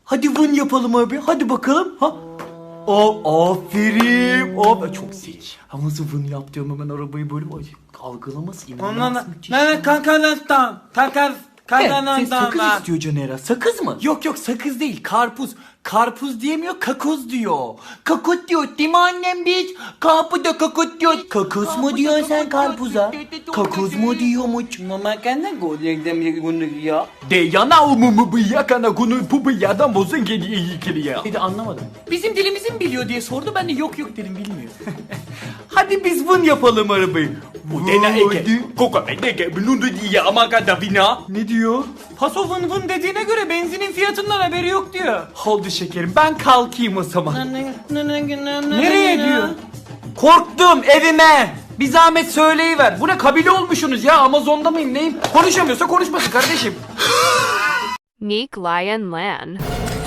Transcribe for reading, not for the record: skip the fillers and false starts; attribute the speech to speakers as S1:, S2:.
S1: Hadi vın yapalım abi. Hadi bakalım. Ha. Aferin. Çok zeki. Ha nasıl vın yap diyorum hemen arabayı böyle algılaması inanılmaz müthiş. Sen sakız istiyor Caner'a. Sakız mı? Yok sakız değil, karpuz. Karpuz diyemiyor, kakoz diyor. Kakut diyor değil mi annem biz? Kapıda kakut diyor. Kakos mu diyorsun sen karpuza? Kakoz mu diyormuş?
S2: Mama kana golekten bunu ya.
S1: De yana umumu bıyakana kunu bu bıyadan bozun geliyor iyi geliyor. Bir de anlamadım. Bizim dilimizi mi biliyor diye sordu, ben de yok dedim bilmiyor. Hadi biz vın yapalım arabayı. Bu dena eke. Koka eke bulundu diye ama kadavina. Ne diyor?
S2: Paso vın vın dediğine göre benzinin fiyatından haberi yok diyor.
S1: Oldu şekerim, ben kalkayım o zaman.
S2: Nereye diyor?
S1: Korktum, evime. Bir zahmet söyleyiver. Bu ne kabile olmuşsunuz ya, Amazon'da mıyım neyim? Konuşamıyorsa konuşmasın kardeşim.
S3: Neek Lion Lan.